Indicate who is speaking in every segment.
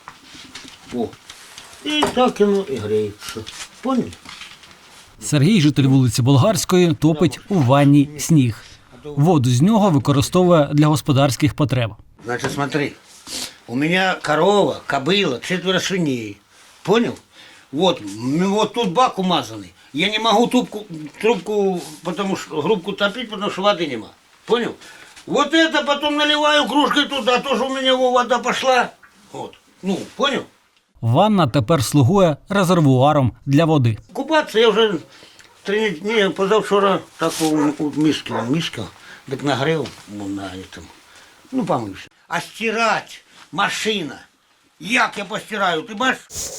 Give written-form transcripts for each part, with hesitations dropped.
Speaker 1: О. І так воно і греється. Поняли?
Speaker 2: Сергій, житель вулиці Болгарської, топить у ванні сніг. Воду з нього використовує для господарських потреб.
Speaker 1: Значит, смотри, у меня корова, кобыла, 4 свиней. Понял? Вот тут бак умазанный. Я не могу трубку, потому что грубку топить, потому что воды нема. Понял? Вот это потом наливаю кружкой туда, тоже у меня вода пошла. Вот. Ну, понял?
Speaker 2: Ванна тепер слугує резервуаром для води.
Speaker 1: Купаться я вже 3 дні, позавчора так у миски, так нагрів на этом. Ну, помився. А стирати машина. Як я постираю, ти бачиш?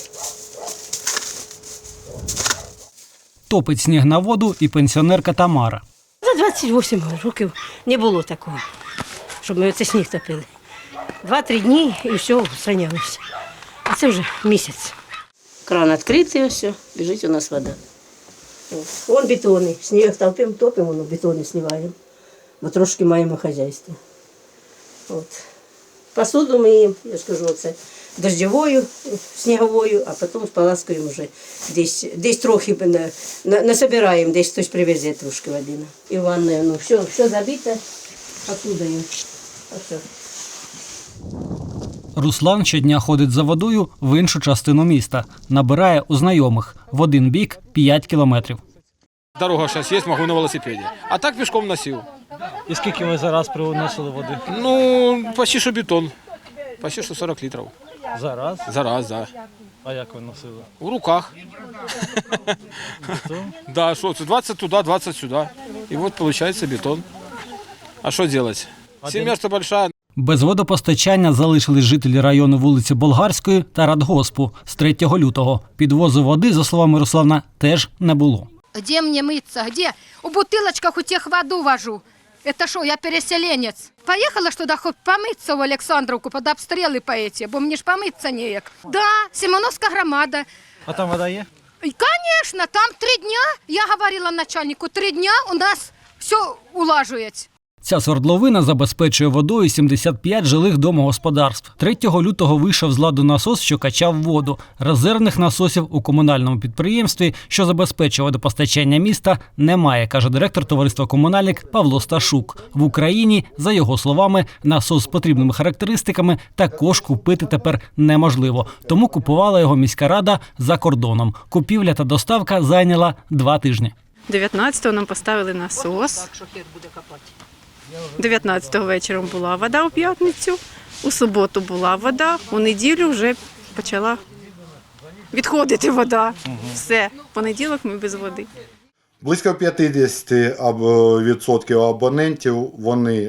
Speaker 2: Топить сніг на воду і пенсіонерка Тамара.
Speaker 3: За 28 років не було такого, щоб ми оце сніг топили. 2-3 дні і все, устранялося. А це вже місяць. Кран відкритий, все, біжить у нас вода. Вон бетонний. Сніг топимо, воно бетони сливаємо. Бо трошки маємо хазяйство. От. Посуду миємо, я ж кажу, це дождевою, сніговою, а потім споласкуємо вже. Десь трохи насобираємо, десь хтось привезе трошки води. І в ванною, ну, все забите посудою. А все.
Speaker 2: Руслан щодня ходить за водою в іншу частину міста. Набирає у знайомих. В один бік 5 кілометрів.
Speaker 4: Дорога зараз є, можу на велосипеді. А так пішком носив.
Speaker 2: І скільки ви зараз приносили води?
Speaker 4: Ну, почти що бетон. Почти що 40 літрів.
Speaker 2: Зараз?
Speaker 4: Зараз, так.
Speaker 2: А як ви носили?
Speaker 4: У руках. Да, що це 20 туди, 20 сюди. І от виходить бетон. А що робити? Сім'я ж велика.
Speaker 2: Без водопостачання залишились жителі району вулиці Болгарської та Радгоспу з 3 лютого. Підвозу води, за словами Руслана, теж не було.
Speaker 5: Где мне мыться? Где? У бутылочках у тех воду вожу. Это что, я переселенец? Поехала ж туда хоть помыться в Александровку под обстрелы по эти, бо мне ж помыться неяк. Да, Симоновская громада.
Speaker 2: А там вода є?
Speaker 5: И, конечно, там 3 дня, я говорила начальнику, 3 дня у нас все улажується.
Speaker 2: Ця свердловина забезпечує водою 75 жилих домогосподарств. 3 лютого вийшов з ладу насос, що качав воду. Резервних насосів у комунальному підприємстві, що забезпечує водопостачання міста, немає, каже директор товариства «Комунальник» Павло Сташук. В Україні, за його словами, насос з потрібними характеристиками також купити тепер неможливо. Тому купувала його міська рада за кордоном. Купівля та доставка зайняла 2 тижні.
Speaker 6: 19-го нам поставили насос. 19-го вечором була вода у п'ятницю, у суботу була вода, у неділю вже почала відходити вода. Все, в понеділок ми без води.
Speaker 7: Близько 50% абонентів, вони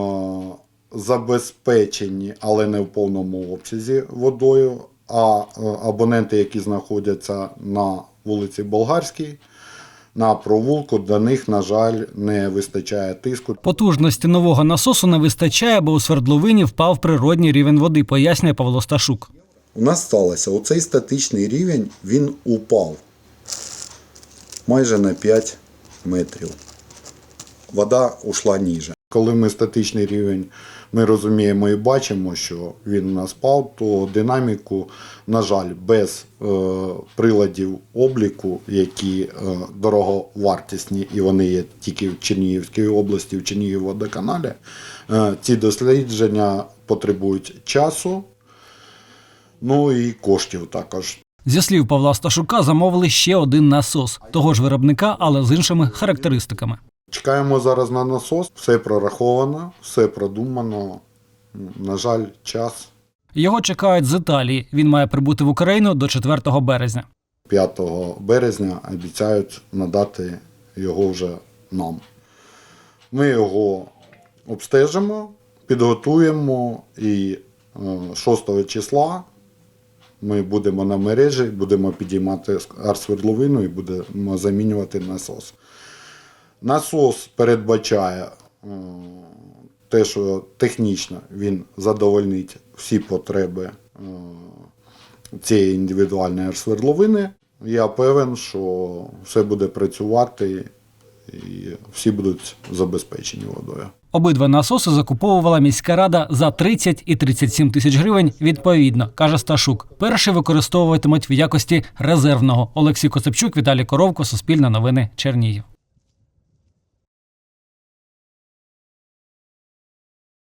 Speaker 7: забезпечені, але не в повному обсязі водою, а абоненти, які знаходяться на вулиці Болгарській, на провулку, до них, на жаль, не вистачає тиску.
Speaker 2: Потужності нового насосу не вистачає, бо у свердловині впав природній рівень води, пояснює Павло Сташук.
Speaker 7: У нас сталося, оцей статичний рівень, він упав майже на 5 метрів. Вода ушла ніже. Коли ми статичний рівень, ми розуміємо і бачимо, що він у нас впав, то динаміку, на жаль, без приладів обліку, які дороговартісні, і вони є тільки в Чернігівській області, в Чернігівводоканалі, ці дослідження потребують часу, ну і коштів також.
Speaker 2: Зі слів Павла Сташука, замовили ще один насос, того ж виробника, але з іншими характеристиками.
Speaker 7: Чекаємо зараз на насос, все прораховано, все продумано, на жаль, час.
Speaker 2: Його чекають з Італії, він має прибути в Україну до 4 березня.
Speaker 7: 5 березня обіцяють надати його вже нам. Ми його обстежимо, підготуємо і 6 числа ми будемо на мережі, будемо підіймати арсвердловину і будемо замінювати насос. Насос передбачає те, що технічно він задовольнить всі потреби цієї індивідуальної свердловини. Я певен, що все буде працювати і всі будуть забезпечені водою.
Speaker 2: Обидва насоси закуповувала міська рада за 30 і 37 тисяч гривень відповідно, каже Сташук. Перший використовуватимуть в якості резервного. Олексій Коцепчук, Віталій Коровко, Суспільне новини, Чернігів.